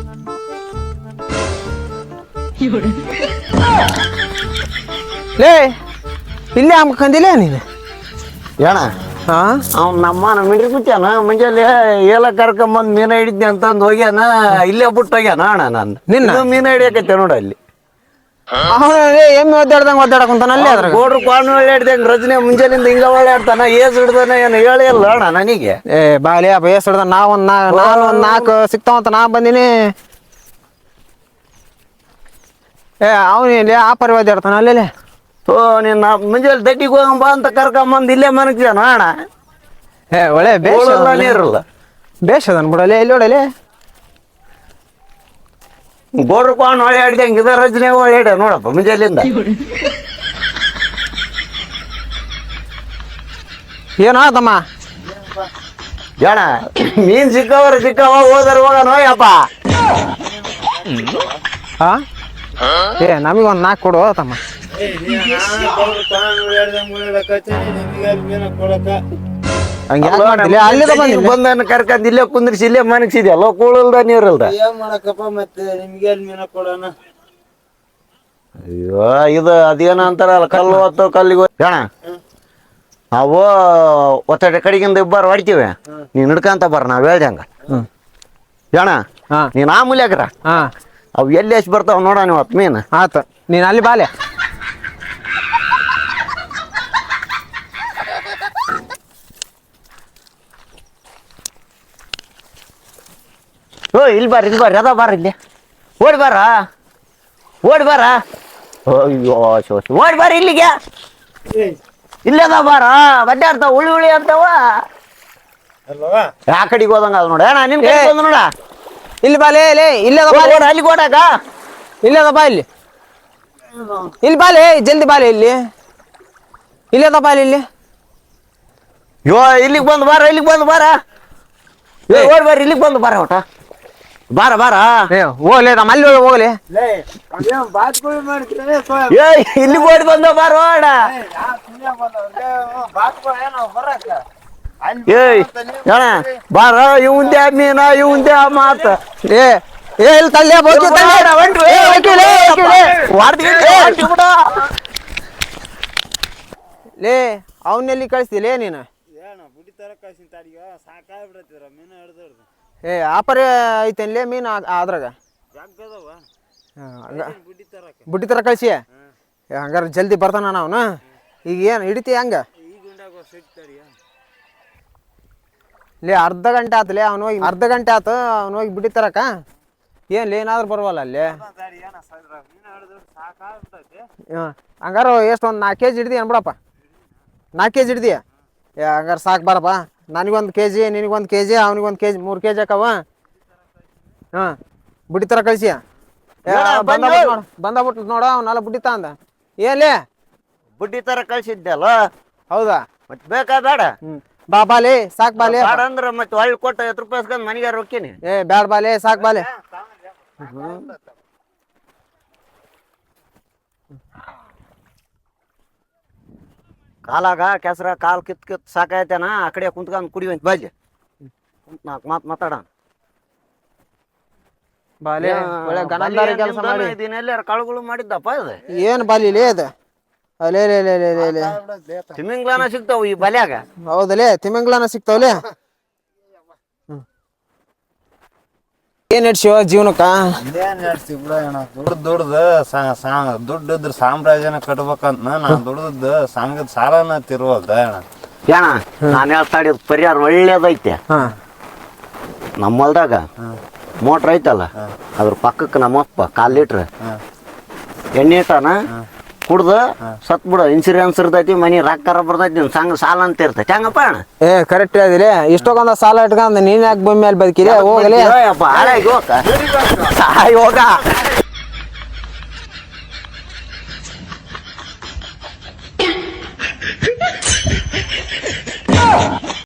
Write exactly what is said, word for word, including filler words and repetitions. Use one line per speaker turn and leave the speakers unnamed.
ಲೇ ಇಲ್ಲೇ ಅಂಬ್ಕಂದಿಲ್ಲ ನೀನು
ಏಣ ಅವ್ನು ನಮ್ಮ ಮಿಂಡ್ರಿ ಕುತ್ಯಾನ ಮುಂಜಾನೆ ಏಲ ಕರ್ಕೊಂಬಂದು ಮೀನ ಹಿಡಿದ್ನಿ ಅಂತಂದು ಹೋಗ್ಯಾನ ಇಲ್ಲೇ ಬಿಟ್ಟು ಹೋಗ್ಯಾನ ಅಣ್ಣ ನಾನು ನಿನ್ನ ಮೀನ ಹಿಡಿಯಕೈತೆ ನೋಡ ಅಲ್ಲಿ
ಎಮ್ಮೆ ಒದ್ದಾಡ್ದಂಗ ಒದ್ದಾಡಕಂತಾನ ಅಲ್ಲೇ ಅದ್ರ
ಗೋಡ್ರು ಕ್ವಾನ್ ಒಳ್ಳೆಡ್ದಂಗ ರಜನೆ ಮುಂಜಾನಿಂದ ಹಿಂಗ ಒಳ್ಳೆಡ್ತಾನ ಏಸ್ ಹಿಡ್ದಾನ ಏನು ಹೇಳಿ ಅಲ್ಲ ಅಣ್ಣ ನನಗೆ
ಏ ಬಾಲಿ ಅಪ್ಪ ಏಸ್ ಹಿಡ್ದ ನಾ ಒಂದ್ ನಾ ನಾನು ಒಂದ್ ನಾಲ್ಕು ಸಿಕ್ತಾವಂತ ನಾ ಬಂದಿನಿ ಏ ಅವನು ಇಲ್ಲಿ ಆ ಪರಿ ಒದ್ದಾಡ್ತಾನ ಅಲ್ಲೇ
ಓ ನೀನ್ ಮುಂಜಾನೆ ದಡ್ಡಿಗೆ ಹೋಗಂಬ ಅಂತ ಕರ್ಕೊಂಬಂದು ಇಲ್ಲೇ ಮನಗ್ಯಾನ ಅಣ್ಣ
ಏ ಒಳ್ಳೆ ಬೇಷ್
ನೀರಲ್ಲ
ಬೇಷ್ ಅದನ್ ಬಿಡಲೆ ಎಲ್ಲಿ ಹೊಡಲೆ
ಗೋಡ್ರು ಕ್ವಾನ್ ಒಳ್ಳೆಡ್ದಂಗ ಇದ ರಜನೆ ಒಳ್ಳೆಡ ನೋಡಪ್ಪ ಮುಂಜಾಲಿಂದ
ಏನಾದಮ್ಮ
ಜಣ ಮೀನ್ ಸಿಕ್ಕವ್ರ ಸಿಕ್ಕವ ಹೋದ್ರ ಹೋಗ ನೋಯಪ್ಪ
ಹಾ ಏ ನಮಗೊಂದು ನಾಲ್ಕು ಕೊಡು ತಮ್ಮ
ಬಂದನ್ನ ಕರ್ಕೊಂಡ್ ಇಲ್ಲೇ ಕುಂದ್ರಿಸಿ ಇಲ್ಲೇ ಮನಗ್ಸಿದ್ಯಲ್ಲ ಕೂಳಲ್ದ ನೀರಲ್ದ
ಏನ್ ಮಾಡಕಪ್ಪ ಮತ್ತೆ ನಿಮ್ಗೆ ಮೀನ ಕೊಡೋಣ.
ಅಯ್ಯೋ ಇದು ಅದೇನ ಅಂತಾರಲ್ಲ ಕಲ್ಲು ಹೊತ್ತು ಕಲ್ಲಿಗೆ ಜಣ ಅವು ಒತ್ತಡೆ ಕಡೆಗಿಂದ ಇಬ್ಬರು ಹೊಡಿತೀವಿ ನೀನ್ ಹಿಡ್ಕಂತ ಬರ ನಾವ್ ಹೇಳ್ದಂಗ ಜಣ ನೀನ್ ಆ ಮೂಲ್ಯಾಗ್ರ ಅವು ಎಲ್ಲಿ ಎಷ್ಟು ಬರ್ತಾವ ನೋಡ ನೀವು ಹತ್ತು ಮೀನು
ಆತ ನೀನ್ ಅಲ್ಲಿ ಬಾಲೆ
ಓ ಇಲ್ಲಿ ಬಾರ ಇಲ್ಲಿ ಬಾರ ಅದ ಬಾರ ಇಲ್ಲಿ ಓಡಿ ಬಾರ ಓಡಿ ಬಾರ ಅಯ್ಯೋ ಶೋಷ ಓಡಿ ಬಾರ ಇಲ್ಲಿಗೆ ಇಲ್ಲದ ಬಾರ ಬಡ್ಡೆ ಆಡ್ತಾವ ಉಳಿ ಉಳಿ ಅಂತಾವ ಯಾ ಕಡೆಗೆ ಹೋದಂಗ ಅದ ನೋಡ ಅಣ್ಣ ನಿನ್ ಕಡೆ ಬಂದ ನೋಡ
ಇಲ್ಲಿ ಬಾಲೆ ಲೇ ಇಲ್ಲದ ಬಾಲೆ
ಅಲ್ಲಿ ಓಡಾಕ
ಇಲ್ಲದ ಬಾ ಇಲ್ಲಿ ಇಲ್ಲಿ ಬಾಲೆ ಜಲ್ದಿ ಬಾಲೆ ಇಲ್ಲಿ ಇಲ್ಲದ ಬಾಲೆ ಇಲ್ಲಿ
ಯೋ ಇಲ್ಲಿಗೆ ಬಂದು ಬಾರ ಇಲ್ಲಿಗೆ ಬಂದು ಬಾರ ಓಡಿ ಬಾರ ಇಲ್ಲಿಗೆ ಬಂದು ಬಾರ ಒಟ ಬಾರ ಬಾರ
ಹೋಗ್ಲಿ ನಮ್ಮ ಅಲ್ಲಿ ಹೋಗ್ಲಿ
ಏ ಇಲ್ಲಿಗೆ ಓಡಿ ಬಂದ ಬಾರ ಓಡ ಏಯ್ ಅಣ್ಣ ಬಾರ ಇವಂದೇ ಮೀನ ಇವಂದೇ ಮಾತ
ಏ ಏ ಇಲ್ಲಿ ತಳ್ಳಿ ಲೇ ಅವನ್ನೆಲ್ಲಿ ಕಳಿಸ್ತಿಲೇ ನೀನು ಏ ಆಪರೇ ಐತೇನ್ಲೇ ಮೀನು ಅದ್ರಾಗ ಬುಡ್ಡಿ ತರ ಕಳಿಸಿ ಹಂಗಾರ ಜಲ್ದಿ ಬರ್ತಾನ ಅವನು ಈಗ ಏನು ಹಿಡಿತಿ ಹಂಗ ಲೇ ಅರ್ಧ ಗಂಟೆ ಆತಲೇ ಅವ್ನು ಹೋಗಿ ಅರ್ಧ ಗಂಟೆ ಆತು ಅವ್ನು ಹೋಗಿ ಬಿಡಿ ತರಕ ಏನ್ಲಿ ಏನಾದ್ರು ಬರವಲ್ಲ ಅಲ್ಲಿ ಹಂಗಾರ ಎಷ್ಟು ಒಂದು ನಾಲ್ಕು ಕೆ ಜಿ ಹಿಡ್ದಿ ಅನ್ಬಿಡಪ್ಪ ನಾಲ್ಕು ಕೆ ಜಿ ಹಿಡ್ದಿ ಹಂಗಾರೆ ಸಾಕು ಬಾರಪ್ಪ ನನಗೊಂದು ಕೆ ಜಿ ನಿನಗೊಂದು ಕೆ ಜಿ ಅವ್ನಿಗೊಂದು ಕೆ ಜಿ ಮೂರು ಕೆ ಜಿ ಹಾಕವ ಹಾಂ ಬುಡ್ಡಿ ತರ ಕಳಿಸಿ ಬಂದಬಿಟ್ಟು ನೋಡ ಅವನ್ನೆಲ್ಲ ಬುಡ್ಡಿ ತಂದ ಏನ್ಲೇ
ಬುಡ್ಡಿ ತರ ಕಳ್ಸಿದ್ದಲ್ಲ
ಹೌದಾ
ಮತ್ತೆ ಬೇಕಾ ಬೇಡ
ಹ್ಞೂ ಬಾ ಬಾಲೆ ಸಾಕ್ ಬಾಲೆ
ಬೇಡ ಅಂದ್ರೆ ಮತ್ತೆ ಒಳ್ಳೆ ಕೊಟ್ಟು ಐವತ್ತು ರೂಪಾಯಿ ಇಸ್ಕೊಂಡು ಮನೆಗೆ ರೊಕ್ಕೀನಿ
ಏ ಬ್ಯಾಡ ಬಾಲೆ ಸಾಕ್ ಬಾಲೆ
ಕಾಲಾಗ ಕೆಸರ ಕಾಲ್ ಕಿತ್ ಕಿತ್ ಸಾಕಾಯ್ತೇನ ಆ ಕಡೆ ಕುಂತ್ಕೊಂಡು ಕುಡಿವಂತ ಬಾಜಿ ನಾಲ್ಕು ಮಾತು ಮಾತಾಡ
ಬಾಲೆ ಒಳ್ಳೆ ಗನಂದಾರಿ ಕೆಲಸ ಮಾಡಿ
ಇದನ್ನೆಲ್ಲ ಕಳುಗಳು ಮಾಡಿದ್ದಪ್ಪ ಇದು
ಏನು ಬಾಲಿಲೇ ಅದು ಅಲೇ ಲೇ ಲೇ ಲೇ ಲೇ
ತಿಮಿಂಗ್ಲಾನ ಸಿಗ್ತಾವ ಈ ಬಲ್ಯಾಗ
ಹೌದಲೇ ತಿಮಿಂಗ್ಲಾನ ಸಿಗ್ತಾವಲೇ ಏನ್ ನಡ್ಸಿವ ಜೀವನಕ್ಕ
ಏನ್ ನಡ್ಸಿ ಬಿಡ ಅಣ್ಣ ದುಡ್ದು ದುಡ್ದು ದುಡ್ಡು ಇದ್ರ ಸಾಮ್ರಾಜ್ಯನ ಕಟ್ಬೇಕಂತ ನಾ ದುಡ್ದದ್ದು ಸಂಘದ ಸಾಲನ ತಿರುವಲ್ದ ಅಣ್ಣ
ಏನ ನಾನು ಹೇಳ್ತಾ ಇದ್ ಪರಿಹಾರ ಒಳ್ಳೇದೈತೆ ನಮ್ಮ ಹೊಲ್ದಾಗ ಮೋಟ್ರ್ ಐತಲ್ಲ ಅದ್ರ ಪಕ್ಕಕ್ಕೆ ನಮ್ಮಪ್ಪ ಕಾಲ್ ಲೀಟ್ರ್ ಎಣ್ಣೆ ಇಟ್ಟಾನ ಕುಡ್ದು ಸತ್ ಬಿಡ ಇನ್ಸೂರೆನ್ಸ್ ಇರ್ತೈತಿ ಮನಿ ರೊಕ್ಕ ಬರ್ತೈತಿ ಸಂಘ ಸಾಲ ಅಂತ ಇರ್ತೈತಿ ಹಂಗಪ್ಪ ಅಣ್ಣ
ಏ ಕರೆಕ್ಟ್ ಹೇಳಿದಿರಿ ಇಷ್ಟೊಂದ ಸಾಲ ಇಟ್ಕೊಂಡ್ ನೀನ್ ಯಾಕೆ ಭೂಮಿ ಮೇಲೆ ಬದುಕಿರಿ ಹೋಗಲಿ
ಹೋಗ